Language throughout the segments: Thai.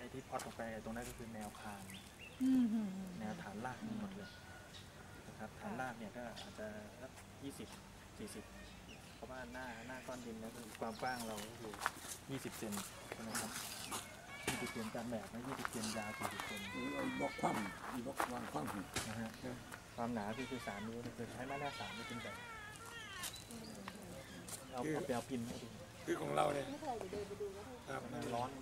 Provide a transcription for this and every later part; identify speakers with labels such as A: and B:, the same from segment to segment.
A: ที่พอดออกไปตรงนั้นก็คือแนวคานแนวฐานรากทั้งหมดเลยนะครับฐานรากเนี่ยก็อาจจะสัก20-40เพราะว่าหน้าก้อนดินนะคือความกว้างเราอยู่20 เซนนะครับ20 เซนตามแบบนะ20 เซนยาว40 เซน
B: บล็อกคว่ำบล็อกวางคว่ำ
A: นะฮะความหนาคือ3 นิ้วคือใช้ไม้หน้า3ไม่เป็นแบบเอาไปเอาพิมพ์ให้ดู
B: คือของเราเนี่ย
A: มันร้อน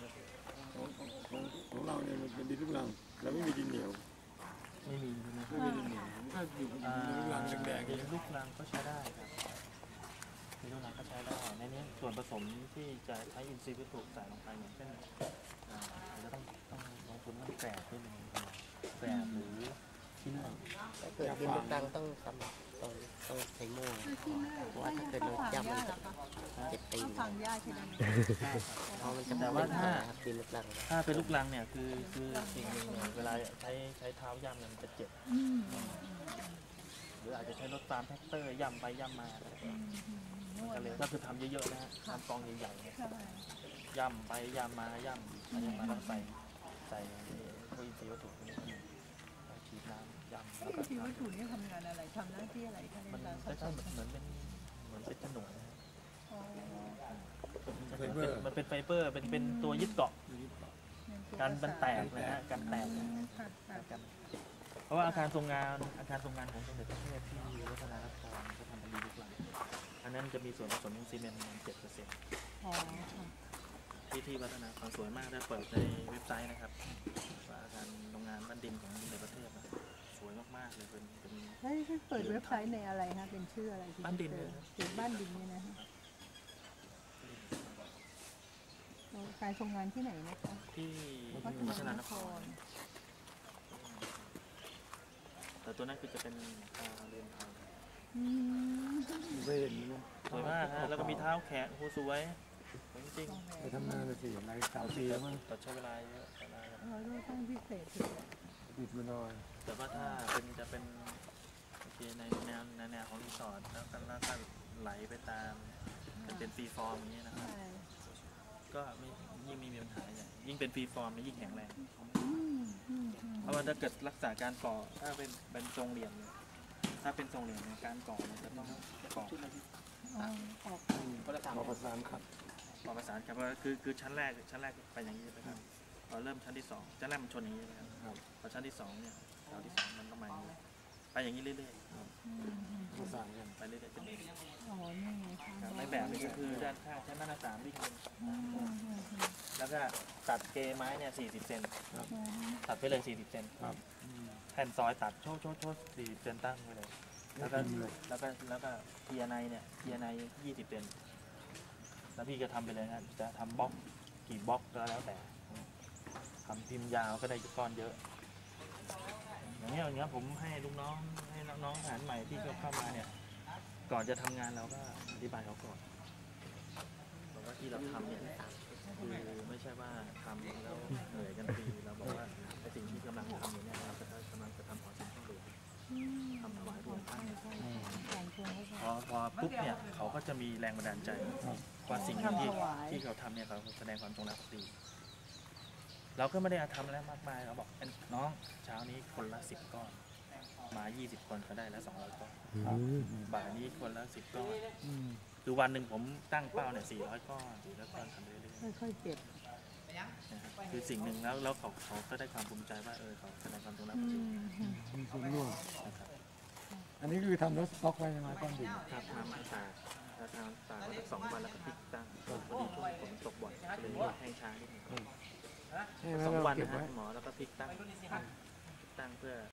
B: ของเราเนี่ยมันเป็นดินลูกรังเราไม่มีดินเหนียว
A: ไม่มี
B: ดินเหนียวถ้าอยู่ดินลูกรังแดง
A: ดินลูกรังก็ใช้ได้ครับดินลูกรังก็ใช้ได้ในนี้ส่วนผสมที่จะใช้อินทรีย์วัตถุใส่ลงไปอย่างเช่นจะต้องลงทุนต้องแกลบด้วยแกลบหรือชิ้นหนึ่ง
C: เกิดดินลูกรังต้องใช้โม่เพราะว่าถ้าเกิดเราย่ำมันเจ็บตีน
D: ฝังยาใช่ไหม
C: เพราะมันจะ
A: แต่ว่า
C: ดินลูกรัง
A: ถ้าเป็นลูกรังเนี่ยคือสิ่งหนึ่งเวลาใช้เท้าย่ำมันจะเจ็บหรืออาจจะใช้รถตามแท็กเตอร์ย่ำไปย่ำมามันก็เลยก็คือทำเยอะๆนะฮะทำกองใหญ่ๆย่ำไปย่ำมาย่ำมาแล้วใส่พวกอินทรีย์วัตถุฉีดน้ำย่ำแล้วก็
D: อินทรีย์วัตถุนี่ทำงานอะไรทำหน้าที่อะไรคะในการผสม
A: เหมือนเป็นฉนวนนะมันเป็นไฟเบอร์เป็นตัวยึดเกาะการมันแตกนะฮะการแตกเพราะว่าอาคารทรงงานของสมเด็จพระเทพที่วัฒนานครเขาทำเป็นดีลูกหลังอันนั้นจะมีส่วนผสมของซีเมนต์ประมาณ 7%ที่วัฒนานครสวยมากได้เปิดในเว็บไซต์นะครับว่าอาคารโรงงานบ้านดินของสมเด็จพระเทพสวยมากๆเลยเป็น
D: แล้วที่เปิดเว็บไซต์ในอะไรคะเป็นชื่ออะไร
A: บ้านดิน
D: บ้านดินเนี่ยนะคะการทรงงานที่ไหนนะคะ
A: ที่วัฒนานครแต่ตัวนั้นคือจะเป็นเรียนเอา
B: เวร
A: สวยมากฮะแล้วก็มีเท้าแขนโหสวยจริง
B: ไปทำงานเลยสิอะไร3 ปีแล้วมั้ง
A: แต่ใช้เวลาเยอะ
D: ต้องพิเศษ
B: ปิดมาหน่อย
A: แต่ว่าถ้าจะเป็นโอเคในแนวของรีสอร์ทแล้วก็ไหลไปตามเป็นฟรีฟอร์มอย่างนี้นะครับก็ยิ่งไม่มีปัญหาอย่างยิ่งเป็นฟรีฟอร์มยิ่งแข็งแรงเพราะว่าถ้าเกิดรักษาการก่อถ้าเป็นทรงเหลี่ยมถ้าเป็นทรงเหลี่ยมในการก่อเนี่ยจะต้องก่อ
B: ประสานครับ
A: ก่อประสานครับคือชั้นแรกไปอย่างนี้นะครับพอเริ่มชั้นที่2ชั้นแรกมันชนอย่างนี้นะครับพอชั้นที่2เนี่ยแถวที่2มันต้องมาไปอย่างนี้เรื่อยๆ
B: ประสานกัน
A: ไปเรื่อยๆจะมีในแบบนี้ก็คือด้านข้างใช้มาตรฐานวิ่งแล้วก็ตัดเกไม้เนี่ย40 เซนตัดไปเลย40 เซนแผ่นซอยตัดโชว์40 เซนตั้งไปเลยแล้วก็เทียในเนี่ย20 เซนแล้วพี่ก็ทำไปเลยนะจะทำบล็อกกี่บล็อกก็แล้วแต่ทำพิมพ์ยาวก็ได้ก้อนเยอะอย่างเงี้ยผมให้ลูกน้องให้น้องทหารใหม่ที่เข้ามาเนี่ยก่อนจะทำงานเราก็อธิบายเขาก่อนบอกว่าที่เราทำเนี่ยคือไม่ใช่ว่าทำแล้วเหนื่อยกันฟรีเราบอกว่าไอ้สิ่งที่กำลังทำอยู่เนี่ยเรากำลังจะทำขอสิ่งต้องดูทำถวายพระองค์ท่านพอปุ๊บเนี่ยเขาก็จะมีแรงบันดาลใจว่าสิ่งที่เขาทำเนี่ยเขาแสดงความจงรักภักดีเราก็ไม่ได้ทำอะไรมากมายเราบอกน้องเช้านี้คนละ10 ก้อนมา20 คนเขาได้แล้ว200 ก้อนบ่ายนี้คนละ10 ก้อนคือวันหนึ่งผมตั้งเป้าเนี่ย400 ก้อนทำเรื่อย
D: ๆค่อยๆเก็บ
A: คือสิ่งหนึ่งแล้วเขาก็ได้ความภูมิใจว่าเขาแสดงความจงรักภักดี
B: มีส่วนร่วมอันนี้คือทำแล้วสต็อกไว้ยังไงก้อนดิน
A: ครับทำตากไว้สัก2 วันแล้วก็พลิกตั้งพอดีช่วงฝนตกบ่อยเลยแห้งช้านิดนึง2 วันนะฮะหมอแล้วก็พลิกตั้งเพื่อ